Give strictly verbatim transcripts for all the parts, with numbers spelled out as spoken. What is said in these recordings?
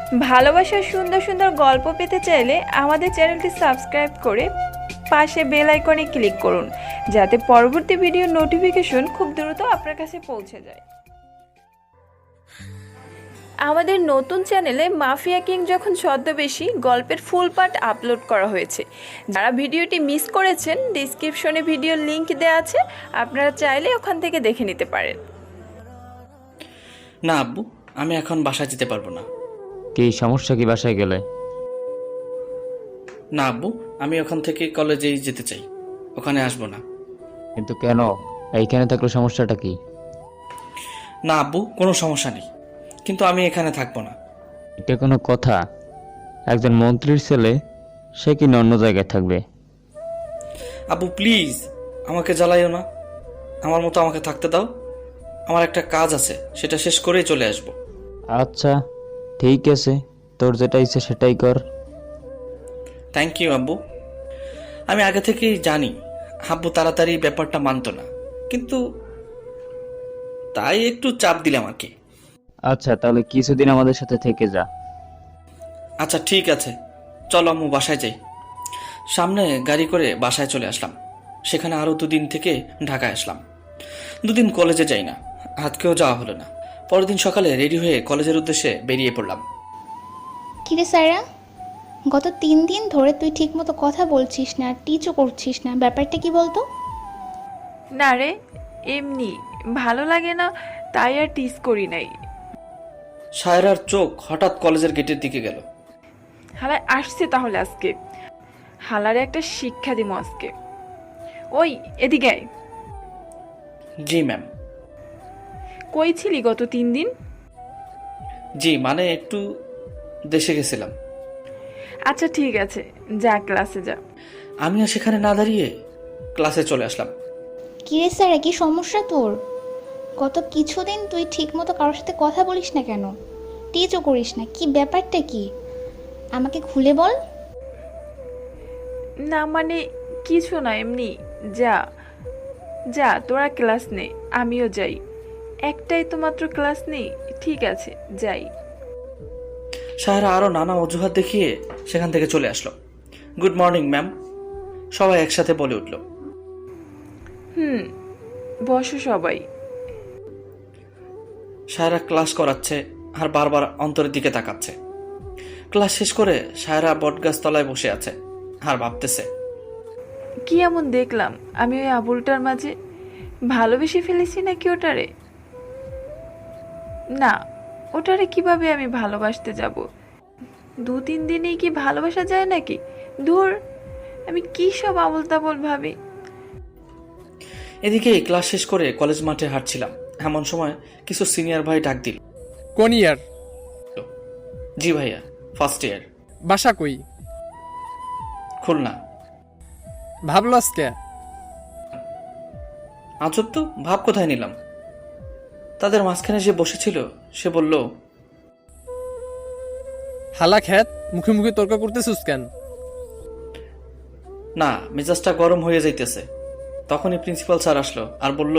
ভালোবাসার সুন্দর সুন্দর গল্প পেতে চাইলে আমাদের চ্যানেলটি সাবস্ক্রাইব করে পাশে বেল আইকনে ক্লিক করুন, যাতে পরবর্তী ভিডিও নোটিফিকেশন খুব দ্রুত আপনার কাছে পৌঁছে যায়। আমাদের নতুন চ্যানেলে মাফিয়া কিং যখন ছদ্মবেশী গল্পের ফুল পার্ট আপলোড করা হয়েছে। যারা ভিডিওটি মিস করেছেন, ডিসক্রিপশনে ভিডিওর লিংক দেওয়া আছে, আপনারা চাইলে ওখান থেকে দেখে নিতে পারেন। না আব্বু, আমি এখন বাসায় যেতে পারবো না। কি সমস্যা? কি বাসায় গেলে? না আব্বু, আমি ওখান থেকে কলেজেই যেতে চাই, ওখানে আসবো না। কিন্তু কেন? এইখানে থাকলে সমস্যাটা কি? না আব্বু, কোনো সমস্যা নেই, কিন্তু আমি এখানে থাকবো না। এটা কোনো কথা? একজন মন্ত্রীর ছেলে, সে কি অন্য জায়গায় থাকবে? আব্বু প্লিজ, আমাকে জ্বালাইও না, আমার মতো আমাকে থাকতে দাও। আমার একটা কাজ আছে, সেটা শেষ করেই চলে আসবো। আচ্ছা ঠিক আছে, তোর যেটা ইচ্ছে সেটাই কর। থ্যাংক ইউ আব্বু। আমি আগে থেকেই জানি আব্বু তাড়াতাড়ি ব্যাপারটা মানতো না, কিন্তু তাই একটু চাপ দিলাম আর কি। আচ্ছা তাহলে কিছুদিন আমাদের সাথে থেকে যা। আচ্ছা ঠিক আছে, চলো আম্মু বাসায় যাই। সামনে গাড়ি করে বাসায় চলে আসলাম। সেখানে আরও দুদিন থেকে ঢাকায় আসলাম। দুদিন কলেজে যাই না, আজকেও যাওয়া হলো না। পরের দিন সকালে রেডি হয়ে কলেজের উদ্দেশ্যে বেরিয়ে পড়লাম। কিরে সায়রা, গত তিন দিন ধরে তুই ঠিকমতো কথা বলছিস না, টিচও করছিস না, ব্যাপারটা কি বলতো? না রে, এমনি ভালো লাগে না, তাই আর টিস করি নাই। সায়রার চোখ হঠাৎ কলেজের গেটের দিকে গেল। হালায় আসছে তাহলে আজকে, হালারে একটা শিক্ষা দিব আজকে। ওই এদিকে আয়। জি ম্যাম। কই ছিলি গত তিন দিন? জি মানে একটু দেশে গেছিলাম। আচ্ছা ঠিক আছে, যা ক্লাসে যা। আমিও সেখানে না দাঁড়িয়ে ক্লাসে চলে আসলাম। কিরে সায়রা, কি সমস্যা তোর? গত কিছুদিন তুই ঠিকমতো কারোর সাথে কথা বলিস না কেন, টিচও করিস না, কি ব্যাপারটা কি আমাকে খুলে বল। না মানে কিছু না, এমনি। যা যা, তোরা ক্লাস নে, আমিও যাই। একটাই তো মাত্র ক্লাস নেই, ঠিক আছে যাই। সায়রা আরও নানা অজুহাত দেখিয়ে সেখান থেকে চলে আসলো। গুড মর্নিং ম্যাম, সবাই একসাথে বলে উঠল। হুম, বসো সবাই। সায়রা ক্লাস করাচ্ছে আর বারবার অন্তরের দিকে তাকাচ্ছে। ক্লাস শেষ করে সায়রা বটগাছ তলায় বসে আছে আর ভাবতেছে, কি এমন দেখলাম আমি ওই আবুলটার মাঝে? ভালোবেসে ফেলেছি নাকি ওটারে? না, ওটারে কিভাবে আমি ভালোবাসতে যাব? দু তিন দিনেই কি ভালোবাসা যায় নাকি? ধুর, আমি কি সব আবল তাবল ভাবি। এদিকে ক্লাস শেষ করে কলেজ মাঠে হাঁটছিলাম, এমন সময় কিছু সিনিয়র ভাই ডাক দিল। কোন ইয়ার? জি ভাইয়া, ফার্স্ট ইয়ার। বাসা কই? খুলনা। ভাবলো আজকে? আজব তো, ভাব কোথায় নিলাম? তাদের মাঝখানে যে বসেছিল সে বলল, হালা খ্যাত, মুখে মুখে তর্ক করতেছিস কেন? না, মেজাজটা গরম হয়ে যাইতেছে। তখনই প্রিন্সিপাল স্যার আসলো আর বলল,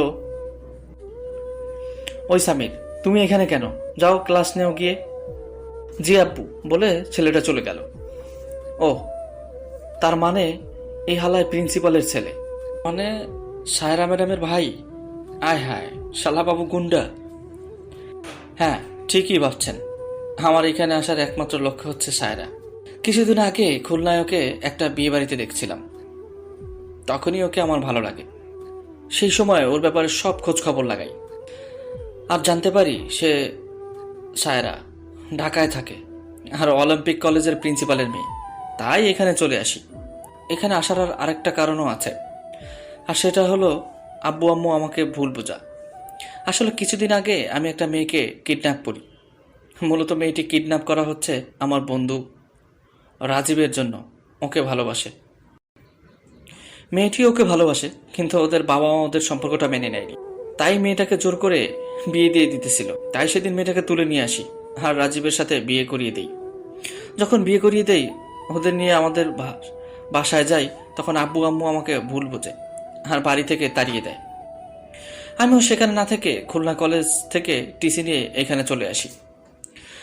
ওই সামির, তুমি এখানে কেন? যাও ক্লাস নেও গিয়ে। জি আব্বু বলে ছেলেটা চলে গেল। ও, তার মানে এই হালায় প্রিন্সিপালের ছেলে, মানে সায়রা ম্যাডামের ভাই। আয় হায়, শালা বাবু গুন্ডা। হ্যাঁ ঠিকই ভাবছেন, আমার এখানে আসার একমাত্র লক্ষ্য হচ্ছে সায়রা। কিছুদিন আগে খুলনায় ওকে একটা বিয়ে বাড়িতে দেখছিলাম, তখনই ওকে আমার ভালো লাগে। সেই সময় ওর ব্যাপারে সব খোঁজ খবর লাগাই আর জানতে পারি সে সায়রা ঢাকায় থাকে আর অলিম্পিক কলেজের প্রিন্সিপালের মেয়ে। তাই এখানে চলে আসি। এখানে আসার আর আরেকটা কারণও আছে, আর সেটা হলো আব্বু আম্মু আমাকে ভুল বোঝা। আসলে কিছুদিন আগে আমি একটা মেয়েকে কিডন্যাপ করি। মূলত মেয়েটি কিডন্যাপ করা হচ্ছে আমার বন্ধু রাজীবের জন্য। ওকে ভালোবাসে, মেয়েটি ওকে ভালোবাসে, কিন্তু ওদের বাবা মা ওদের সম্পর্কটা মেনে নেয়নি। তাই মেয়েটাকে জোর করে বিয়ে দিয়ে দিতেছিল। তাই সেদিন মেয়েটাকে তুলে নিয়ে আসি আর রাজীবের সাথে বিয়ে করিয়ে দেই। যখন বিয়ে করিয়ে দেই, ওদের নিয়ে আমাদের বাসায় যাই, তখন আব্বু আম্মু আমাকে ভুল বোঝে আর বাড়ি থেকে তাড়িয়ে দেয়। আমিও সেখানে না থেকে খুলনা কলেজ থেকে টিসি নিয়ে এখানে চলে আসি।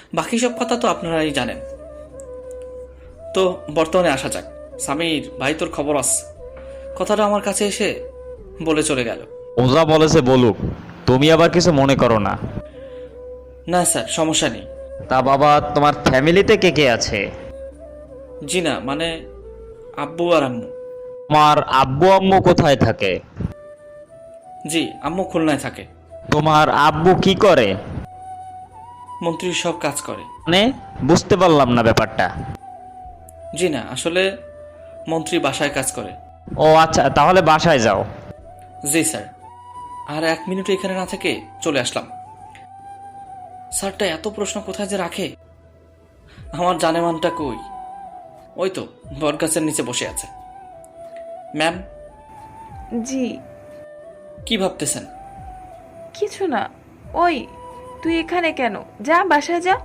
বাকি সব কথা তো আপনারাই জানেন। তো বর্তমানে আসা যাক। সামির ভাই, তোর খবর আছে? কথাটা আমার কাছে এসে বলে চলে গেল। ওজা বলেছে বলুক, তুমি আবার কিছু মনে করো না। না স্যার, সমস্যা নেই। তা বাবা, তোমার ফ্যামিলিতে কে কে আছে? জি না, মানে আব্বু আর আম্মু। তোমার আব্বু আম্মু কোথায় থাকে? জি, আম্মু খুলনায় থাকে। তোমার আব্বু কি করে? মন্ত্রীর সব কাজ করে। মানে বুঝতে পারলাম না ব্যাপারটা। জি না, আসলে মন্ত্রী বাসায় কাজ করে। ও আচ্ছা, তাহলে বাসায় যাও। জি স্যার। আর এক মিনিট এখানে না থেকে চলে আসলাম। স্যারটা এত প্রশ্ন কোথায় যে রাখে। আমার জানেমানটা কই? ওই তো বটগাছের নিচে বসে আছে। ম্যাম, জি। কি ভাবতেছেন? কিছু না। ওই, তুই এখানে কেন? যা বাসায় যা।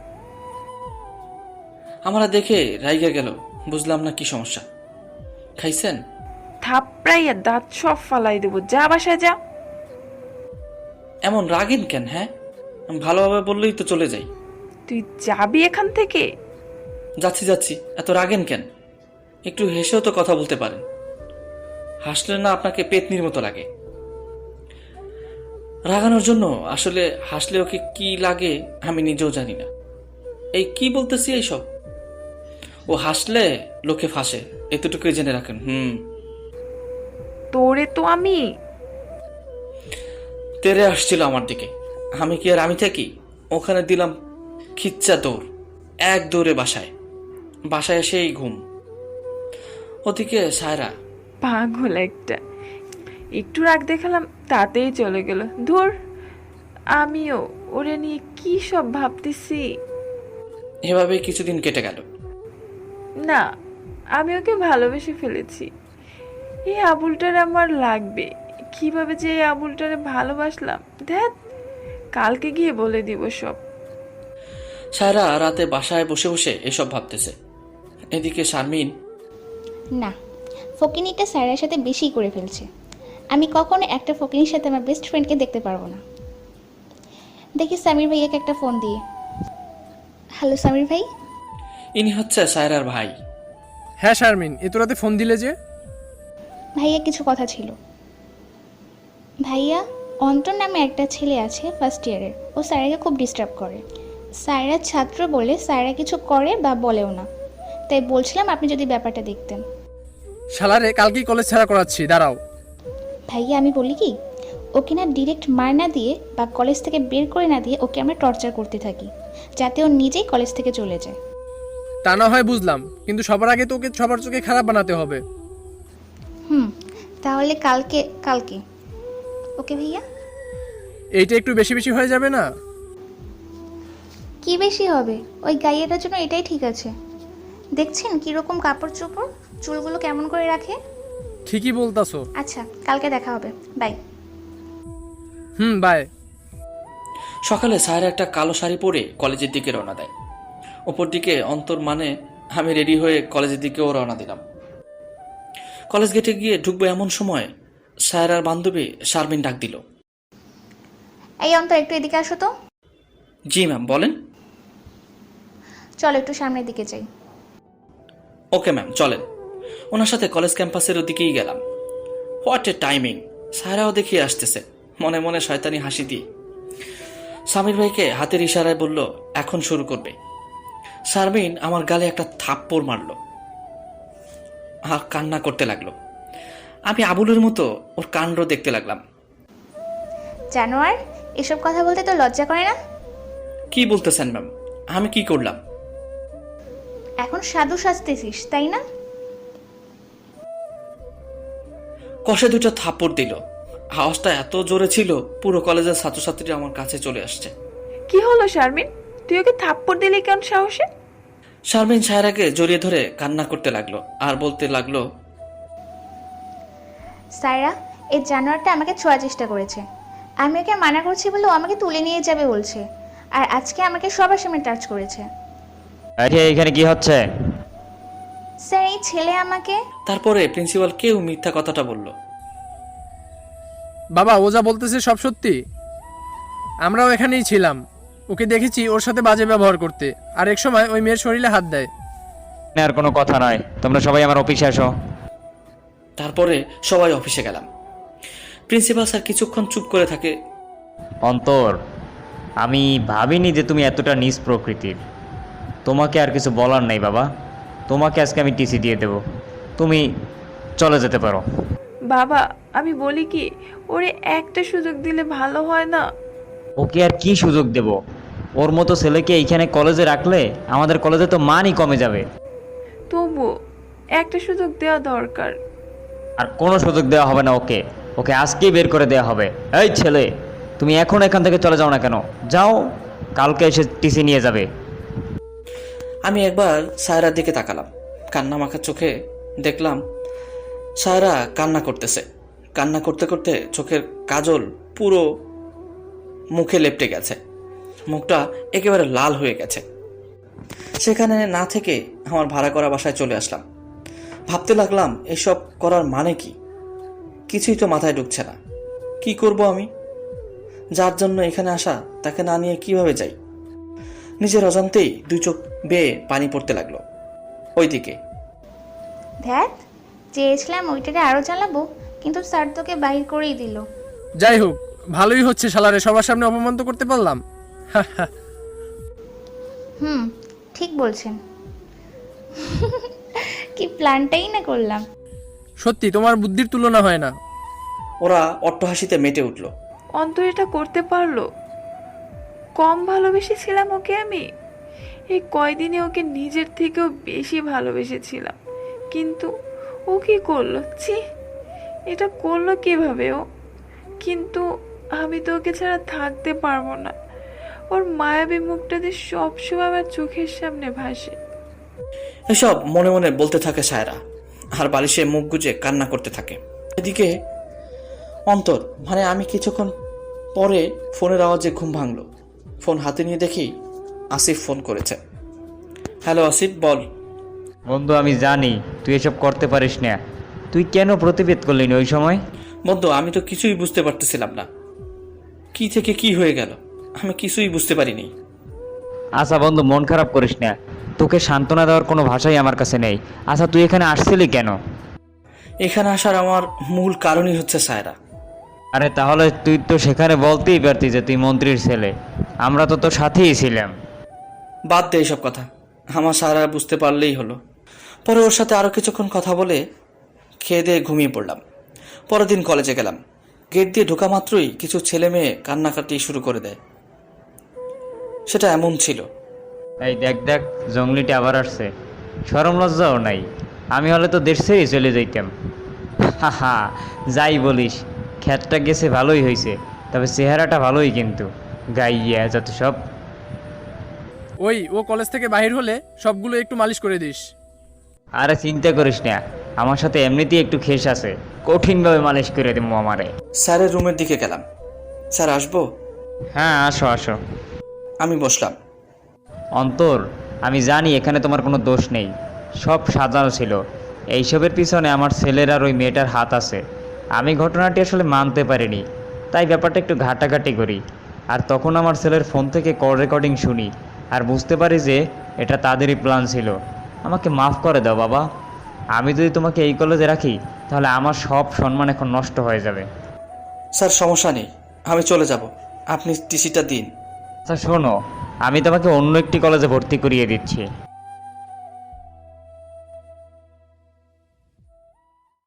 আমরা দেখে রাইগা গেল, বুঝলাম না কি সমস্যা। খাইছেন? থাপড়াইয়া দাঁত সব ফালাই দেবো। যা বাসায় যা। এমন রাগেন কেন? হ্যাঁ, আমি ভালোভাবে বললেই তো চলে যাই। তুই যাবি এখান থেকে? যাচ্ছি যাচ্ছি, এত রাগেন কেন? একটু হেসেও তো কথা বলতে পারেন। হাসলে না আপনাকে পেতনির মতো লাগে। রাগানোর জন্য আসলে হাসলে ওকে কি লাগে আমি নিজেও জানি না। এই কি বলতেছি এইসব? ও হাসলে লোকে ফাঁসে, এতটুকুই জেনে রাখেন। হুম। তোরে তো আমি। তেরে আসছিল আমার দিকে, আমি কি আর আমি থাকি? ওখানে দিলাম খিচ্চা দৌড়, এক দৌড়ে বাসায়। বাসায় এসেই ঘুম। ওদিকে সায়রা। পাগল একটা। একটু রাগ দেখালাম, তাতেই চলে গেল। ধুর, আমিও ওরে নিয়ে কি সব ভাবতেছি। এভাবে কিছুদিন কেটে গেল। না, আমি ওকে ভালোবেসে ফেলেছি। এই আবুলটার আমার লাগবে। কিভাবে যে এই আবুলটারে ভালোবাসলাম, ধ্যাত, কালকে গিয়ে বলে দিব সব। সায়রা রাতে বাসায় বসে বসে এসব ভাবতেছে। এদিকে শারমিন। না, ফকিনিটা স্যারের সাথে বেশি করে ফেলছে। আমি কখনো একটা ফকিনির সাথে আমার বেস্ট ফ্রেন্ডকে দেখতে পারবো না। দেখি সামির ভাইয়াকে একটা ফোন দিয়ে। হ্যালো সামির ভাই। ইনি হচ্ছে সায়রার ভাই। হ্যাঁ শারমিন, এত রাতে ফোন দিলে যে? ভাইয়া কিছু কথা ছিল। ভাইয়া, অন্তর নামে একটা ছেলে আছে ফার্স্ট ইয়ারের। ও স্যারাকে খুব ডিস্টার্ব করে। স্যারের ছাত্র বলে স্যারা কিছু করে বা বলেও না। তাই বলছিলাম আপনি যদি ব্যাপারটা দেখতেন। শালারে কালকেই কলেজ ছাড়া করাচ্ছি, দাঁড়াও। ভাইয়া আমি বলি কি, ওকে না ডিরেক্ট মার না দিয়ে বা কলেজ থেকে বের করে না দিয়ে ওকে আমরা টর্চার করতে থাকি, যাতে ও নিজেই কলেজ থেকে চলে যায়। তা না হয় বুঝলাম, কিন্তু সবার আগে তো ওকে সবার চোখে খারাপ বানাতে হবে। হুম, তাহলে কালকে কালকে ওকে ভাইয়া। এইটা একটু বেশি বেশি হয়ে যাবে না? কি বেশি হবে? ওই গাইয়েটার জন্য এটাই ঠিক আছে। দেখছেন কীরকম কাপড় চোপড়, চুলগুলো কেমন করে রাখে। ঠিকই বলতাছো। আচ্ছা, কালকে দেখা হবে, বাই। Hmm, by. সকালে সায়রা একটা কালো শাড়ি পরে কলেজের দিকে রওনা দেয়। ওপর দিকে অন্তর, মানে আমি রেডি হয়ে কলেজের দিকেও রওনা দিলাম। কলেজ গেটে গিয়ে ঢুকবো এমন সময় সায়রার বান্ধবী শারমিন ডাক দিল। এই অন্তর, একটু এদিকে আসো তো। জি ম্যাম, বলেন। চলো একটু সামনের দিকে যাই। ওকে ম্যাম, চলেন। ওনার সাথে কলেজ ক্যাম্পাসের দিকেই গেলাম। What a timing! সায়রাও দেখিয়ে আসতেছে, মনে মনে শয়তানি হাসি দিয়ে। সামির ভাইকে হাতের ইশারায় বলল এখন শুরু করবে। শারমিন আমার গালে একটা থাপ্পড় মারল আর কান্না করতে লাগলো। আমি আবুলের মতো ওর কাণ্ড দেখতে লাগলাম। জানোয়ার, এসব কথা বলতে তো লজ্জা করে না? কি বলতেছেন ম্যাম? আমি কি করলাম? এখন সাধু সাজতেছিস তাই না? কষে দুটো থাপ্পড় দিল। আওয়াজটা এত জোরে ছিল পুরো কলেজের ছাত্রছাত্রীরা আমার কাছে চলে আসছে। কি হলো শারমিন? তুই ওকে থাপ্পড় দিলি কেন সাহসে? শারমিন সায়রাকে জড়িয়ে ধরে কান্না করতে লাগলো আর বলতে লাগলো, সায়রা, এই জানোয়ারটা আমাকে ছোঁয়ার চেষ্টা করেছে। আমি ওকে মানা করছি বলে ও আমাকে তুলে নিয়ে যাবে বলছে, আর আজকে আমাকে সবার সামনে টাচ করেছে। আরে এখানে কি হচ্ছে? স্যার, এই ছেলে আমাকে। তারপরে প্রিন্সিপাল কেউ মিথ্যা কথাটা বলল। বাবা, ও যা বলতেছে সব সত্যি। আমরাও এখানেই ছিলাম। ওকে দেখেছি ওর সাথে বাজে ব্যবহার করতে, আর এক সময় ওই মেয়ের শরীরে হাত দেয়। আর কোনো কথা নয়, তোমরা সবাই আমার অফিসে আসো। তারপরে সবাই অফিসে গেলাম। প্রিন্সিপাল স্যার কিছুক্ষণ চুপ করে থাকে। অন্তর, আমি ভাবিনি যে তুমি এতটা নিজ প্রকৃতির। তোমাকে আর কিছু বলার নাই বাবা, তোমাকে আজকে আমি টিসি দিয়ে দেব, তুমি চলে যেতে পারো। বাবা আমি বলি কি, ওরে একটা সুযোগ দিলে ভালো হয় না? ওকে আর কি সুযোগ দেব? ওর মতো ছেলেকে এইখানে কলেজে রাখলে আমাদের কলেজে তো মানই কমে যাবে। তবু একটা সুযোগ দেওয়া দরকার। আর কোনো সুযোগ দেওয়া হবে না ওকে, ওকে আজকেই বের করে দেওয়া হবে। এই ছেলে, তুমি এখন এখান থেকে চলে যাও না কেন? যাও, কালকে এসে টিসি নিয়ে যাবে। আমি একবার সায়রার দিকে তাকালাম। কান্না মাখা চোখে দেখলাম সায়রা কান্না করতেছে। কান্না করতে করতে চোখের কাজল পুরো মুখে লেপটে গেছে, মুখটা একেবারে লাল হয়ে গেছে। সেখানে না থেকে আমার ভাড়া করা বাসায় চলে আসলাম। ভাবতে লাগলাম এসব করার মানে কি? কিছুই তো মাথায় ঢুকছে না। কি করব আমি? যার জন্য এখানে আসা তাকে না নিয়ে কিভাবে যাই? নিজের অজান্তেই দুই চোখ বেয়ে পানি পড়তে লাগলো। ওইদিকে ধ্যাত, চেয়েছিলাম ওইটাকে আরও জ্বালাবো, কিন্তু স্যার তোকে বাহির করেই দিল। যাই হোক, ভালোই হচ্ছে শালারে সবার সামনে অপমান তো করতে পারলাম। হুম, ঠিক বলছেন। কি প্ল্যানটাই না করলাম। সত্যি তোমার বুদ্ধির তুলনা হয় না। ওরা অট্টহাসিতে মেতে উঠল। অন্তর এটা করতে পারলো? কম ভালোবেসেছিলাম ওকে আমি? এই কয়দিনে ওকে নিজের থেকেও বেশি ভালোবেসেছিলাম, কিন্তু ও কি করলো? ছি, এটা করলো কিভাবে ও? কিন্তু আমি তো ওকে ছাড়া থাকতে পারবো না। ওর মায়াবী মুখটাতে সবসময় আমার চোখের সামনে ভাসে। এসব মনে মনে বলতে থাকে সায়রা, আর বালিশে মুখ গুজে কান্না করতে থাকে। এদিকে অন্তর, মানে আমি কিছুক্ষণ পরে ফোনের আওয়াজে ঘুম ভাঙলো। ফোন হাতে নিয়ে দেখি আসিফ ফোন করেছে। হ্যালো আসিফ, বল। বন্ধু, আমি জানি তুই এসব করতে পারিস না, তুই কেন প্রতিবাদ করলি না ওই সময়? বন্ধু, আমি তো কিছুই বুঝতে পারতেছিলাম না, কি থেকে কি হয়ে গেল আমি কিছুই বুঝতে পারিনি। আচ্ছা বন্ধু, মন খারাপ করিস না, তোকে সান্ত্বনা দেওয়ার কোনো ভাষাই আমার কাছে নেই। আচ্ছা তুই এখানে আসছিলি কেন? এখানে আসার আমার মূল কারণই হচ্ছে সায়রা। আরে তাহলে তুই তো সেখানে বলতেই পারতি যে তুই মন্ত্রীর ছেলে, আমরা তো তোর সাথেই ছিলাম। বাদ দে এসব কথা, আমার সায়রা বুঝতে পারলেই হলো। পরে ওর সাথে আরও কিছুক্ষণ কথা বলে খেয়ে দিয়ে ঘুমিয়ে পড়লাম। পরের দিন কলেজে গেলাম। গেট দিয়ে ঢোকা মাত্রই কিছু ছেলে মেয়ে কান্নাকাটি শুরু করে দেয়। সেটা এমন ছিল। এই দেখ দেখ, জঙ্গলিটা আবার আসছে, শরম লজ্জাও নাই। আমি হলে তো দেশ ছেড়েই চলে যাইতাম। হা হা, যাই বলিস, খ্যাতটা গেছে ভালোই হয়েছে, তবে চেহারাটা ভালোই কিন্তু, গাইয়া যত সব। ওই ও কলেজ থেকে বাহির হলে সবগুলো একটু মালিশ করে দিস। আরে চিন্তা করিস না, আমার সাথে এমনিতেই একটু খেস আছে, কঠিনভাবে মালিশ করে দেবো আমারে। স্যারের রুমের দিকে গেলাম। স্যার আসবো? হ্যাঁ আসো আসো। আমি বসলাম। অন্তর, আমি জানি এখানে তোমার কোনো দোষ নেই, সব সাজানো ছিল। এইসবের পিছনে আমার ছেলের আর ওই মেয়েটার হাত আছে। আমি ঘটনাটি আসলে মানতে পারিনি, তাই ব্যাপারটা একটু ঘাটাঘাটি করি। আর তখন আমার ছেলের ফোন থেকে কল রেকর্ডিং শুনি, আর বুঝতে পারি যে এটা তাদেরই প্ল্যান ছিল। আমাকে মাফ করে দাও বাবা, আমি যদি তোমাকে এই কলেজে রাখি তাহলে আমার সব সম্মান এখন নষ্ট হয়ে যাবে। স্যার সমস্যা নেই, আমি চলে যাব, আপনি টিসিটা দিন। আচ্ছা শোনো, আমি তোমাকে অন্য একটি কলেজে ভর্তি করিয়ে দিচ্ছি।